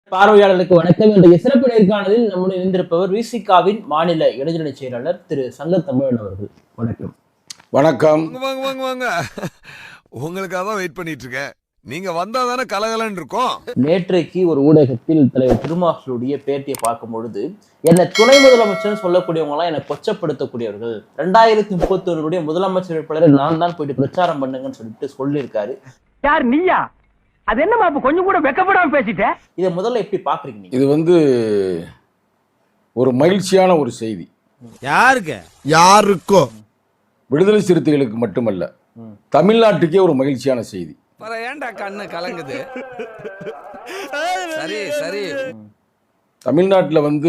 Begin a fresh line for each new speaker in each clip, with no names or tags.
பார்வையாளர்களுக்கு வணக்கம். இன்றைய சிறப்பு நேர்காணலில் நம்முடன் இணைந்திருப்பவர் விசிகாவின் மாநில இளைஞரணி செயலாளர் திரு சங்கத்தமிழன் அவர்கள். வணக்கம்.
வணக்கம்.
வாங்க வாங்க வாங்க. உங்களுக்காக தான் வெயிட் பண்ணிட்டு இருக்கேன். நீங்க வந்தா தானே கலகலன்னு இருக்கும்.
நேற்றைக்கு ஒரு ஊடகத்தில் தலைவர் திருமாவளவனுடைய பேட்டியை பார்க்கும் பொழுது என்ன துணை முதலமைச்சர் சொல்லக்கூடியவங்க எல்லாம் என்னை கொச்சப்படுத்தக்கூடியவர்கள், 2031 முதலமைச்சர் வேட்பாளரை நான் தான் போயிட்டு பிரச்சாரம் பண்ணுங்கன்னு சொல்லியிருக்காரு.
யார் நீயா? அது என்னமா கொஞ்சம் கூட வெக்கப்படாம பேசிட்ட?
இதை முதல்ல எப்படி பாக்குறீங்க?
இது ஒரு மகிழ்ச்சியான ஒரு செய்தி.
யாருக்கோ
விடுதலை சிறுத்தைகளுக்கு மட்டுமல்ல, தமிழ்நாட்டுக்கே ஒரு மகிழ்ச்சியான செய்தி.
ஏன்டா கண்ணு கலங்குது? சரி சரி.
தமிழ்நாட்டில்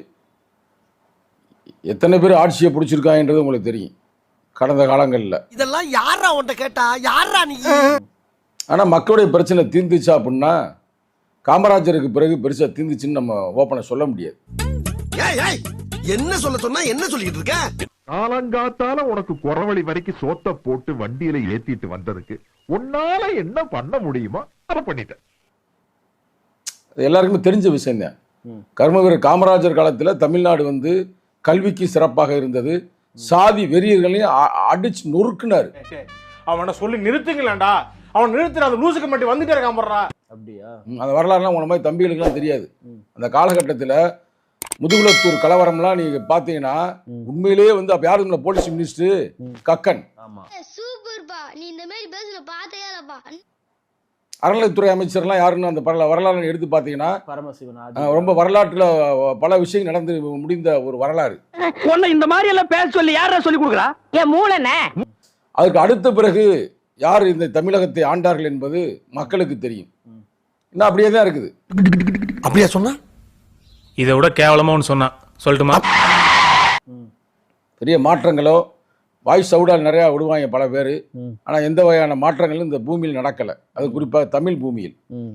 எத்தனை பேர் ஆட்சியை பிடிச்சிருக்காங்கன்றது உங்களுக்கு தெரியும் கடந்த காலங்களில்.
இதெல்லாம் யாரா உன்கிட்ட கேட்டா? யாரா நீ?
ஆனால் மக்களுடைய பிரச்சனை தீர்ந்துச்சா அப்படின்னா காமராஜருக்கு பிறகு பெருசாக தீர்ந்துச்சுன்னு நம்ம ஓப்பனை சொல்ல முடியாது.
என்ன சொல்ல சொன்னா என்ன சொல்லிட்டு இருக்க?
காலங்காத்தால உனக்கு குறவழி வரைக்கும் சோத்த போட்டு வண்டியில ஏத்திட்டு வந்ததுக்கு உன்னால என்ன பண்ண முடியுமோ அதை பண்ணிட்டேன்.
எல்லாருக்குமே தெரிஞ்ச விஷயம் தான். கர்மவீரர் காமராஜர் காலத்தில் தமிழ்நாடு கல்விக்கு சிறப்பாக இருந்தது. சாதி வெறியர்களையும் அடிச்சு நொறுக்குனாரு.
அவனை சொல்லி நிறுத்துங்களேன்டா, அவன் நிறுத்துற அந்த லூசுக்கு மட்டும் வந்துட்டே இருக்கான் போடுறா.
அப்படியா?
அந்த வரலாறுலாம் உன மாதிரி தம்பிகளுக்குலாம் தெரியாது. அந்த காலகட்டத்தில் முதுகுலத்தூர் கலவரம்லாம் நீங்க பாத்தீங்கன்னா உண்மையிலேயே அப்ப யாரு போலீஸ் மினிஸ்டர் கக்கன்.
சூப்பர்பா, நீ இந்த மாதிரி பேசுற பார்த்தே இல்லப்பா.
அறநிலைத்துறை அமைச்சர்லாம் யாருன்னு அந்த வரலாறு எடுத்து பாத்தீங்கன்னா
பரமசிவன்
ரொம்ப வரலாற்றுல பல விஷயங்கள் நடந்து முடிந்த ஒரு வரலாறு.
இந்த மாதிரி எல்லாம் பேச சொல்லி யாரா சொல்லி கொடுக்குறா? என் மூளைனே.
அதுக்கு அடுத்த பிறகு யார் இந்த தமிழகத்தை ஆண்டார்கள் என்பது மக்களுக்கு தெரியும். இன்னும் அப்படியே தான் இருக்குது.
அப்படியா சொன்னா?
இதை விட கேவலமா ஒன்று சொன்னா சொல்லட்டுமா?
பெரிய மாற்றங்களோ வாய்ஸ் அவுடால் நிறையா விடுவாங்க பல பேர். ஆனால் எந்த வகையான மாற்றங்களும் இந்த பூமியில் நடக்கலை. அது குறிப்பாக தமிழ் பூமியில்.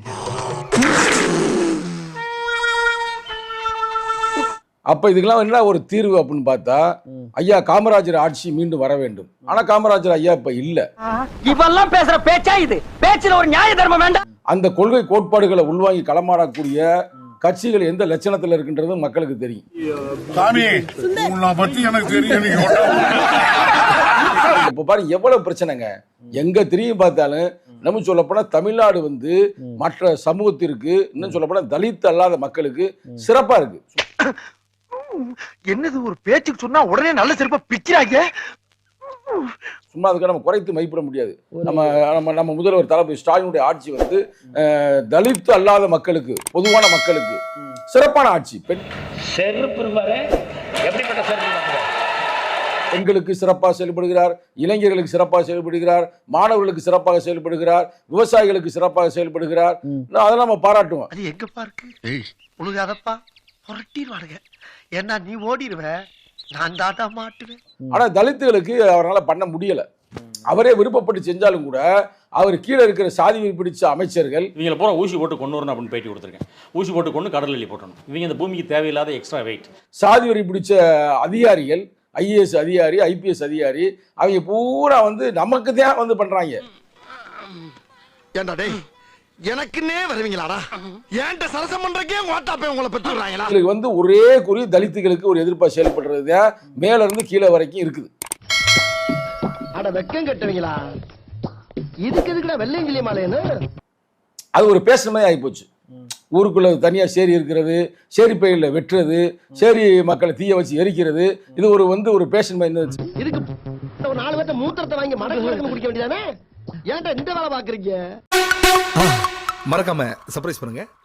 அப்போ இதுக்கெல்லாம் என்ன ஒரு தீர்வு அப்படின்னு பார்த்தா, ஐயா காமராஜர் ஆட்சி மீண்டும் வர வேண்டும். ஆனால் காமராஜர் ஐயா இப்போ இல்லை.
இவெல்லாம் பேசுற பேச்சா இது? பேச்சுல ஒரு நியாய தர்மம் வேண்டாம்.
அந்த கொள்கை கோட்பாடுகளை உள்வாங்கி களமாடக்கூடிய கட்சிகள் எந்த லட்சணத்தில் இருக்குன்றது மக்களுக்கு தெரியும். இப்ப பாருங்க எவ்வளவு பிரச்சனைங்க. எங்க திரும்பி பார்த்தாலும் நம்ம சொல்லப்போனா தமிழ்நாடு மற்ற சமூகத்திற்கு, இன்னும் சொல்லப்போனா தலித் அல்லாத மக்களுக்கு சிறப்பா இருக்கு.
என்னது ஒரு பேச்சுக்கு சொன்னா உடனே நல்ல சிறப்பா பிக்கிறாங்க.
சும்மா அதுக்கு நம்ம குறைத்து மதிப்பிட முடியாது. நம்ம முதல்வர் தளபதி ஸ்டாலினுடைய ஆட்சி தலித் அல்லாத மக்களுக்கு, பொதுவான மக்களுக்கு சிறப்பான ஆட்சி. பெண்களுக்கு சிறப்பாக செயல்படுகிறார், இளைஞர்களுக்கு சிறப்பாக செயல்படுகிறார், மாணவர்களுக்கு சிறப்பாக செயல்படுகிறார், விவசாயிகளுக்கு சிறப்பாக செயல்படுகிறார். அதெல்லாம் நம்ம பாராட்டுவோம்.
அது எங்க பார்க்கு உனக்கு அதப்பா புரட்டிடுவானுங்க. ஏன்னா நீ ஓடிடுவ, நான் தாட்டா மாட்டுவேன்.
ஆனா தலித்துகளுக்கு அவரால் பண்ண முடியல. அவரே விருப்பப்பட்டு செஞ்சாலும் கூட அவர் கீழே இருக்கிற சாதி பிடிச்ச அமைச்சர்கள்
இவங்களை பூரா ஊசி போட்டு கொண்டு வரணும் அப்படின்னு பேட்டி கொடுத்துருக்கேன். ஊசி போட்டு கொண்டு கடல் எல்லி போட்டணும். இவங்க இந்த பூமிக்கு தேவையில்லாத எக்ஸ்ட்ரா வெயிட்.
சாதி வரி பிடிச்ச அதிகாரிகள், ஐஏஎஸ் அதிகாரி, ஐபிஎஸ் அதிகாரி, அவங்க பூரா நமக்கு தான் பண்றாங்க.
ஏண்டா டேய், எனக்குன்னே வருவீங்களாடா? ஏன்ட்ட சரசம் பண்றக்கே ஓட்டாப்பே உங்களை பெற்றுறாங்களா?
இதுக்கு ஒரே குறி தலித்துகளுக்கு ஒரு எதிர்ப்பா செயல்படுறது மேல இருந்து கீழே வரைக்கும் இருக்குது.
அட வெக்கம் கட்டுவீங்களா? இதுக்கு எதுக்குடா வெள்ளையங்கிலி மாலைன்னு? அது
ஒரு பேசுனமே ஆகி போச்சு. ஊருக்குள்ள தனியா சேரி இருக்கிறது, சேரி பயிரில் வெட்டுறது, சேரி மக்களை தீய வச்சு எரிக்கிறது, இது ஒரு பேஷன் மாதிரி இருந்துச்சு.
இதுக்கு ஒரு 4 பேர்த்த மூத்திரத்தை வாங்கி மடக்கு குடிக்க வேண்டியதானே? ஏன்டா இந்த வேலை பாக்குறீங்க?
மறக்காம சர்ப்ரைஸ் பண்ணுங்க.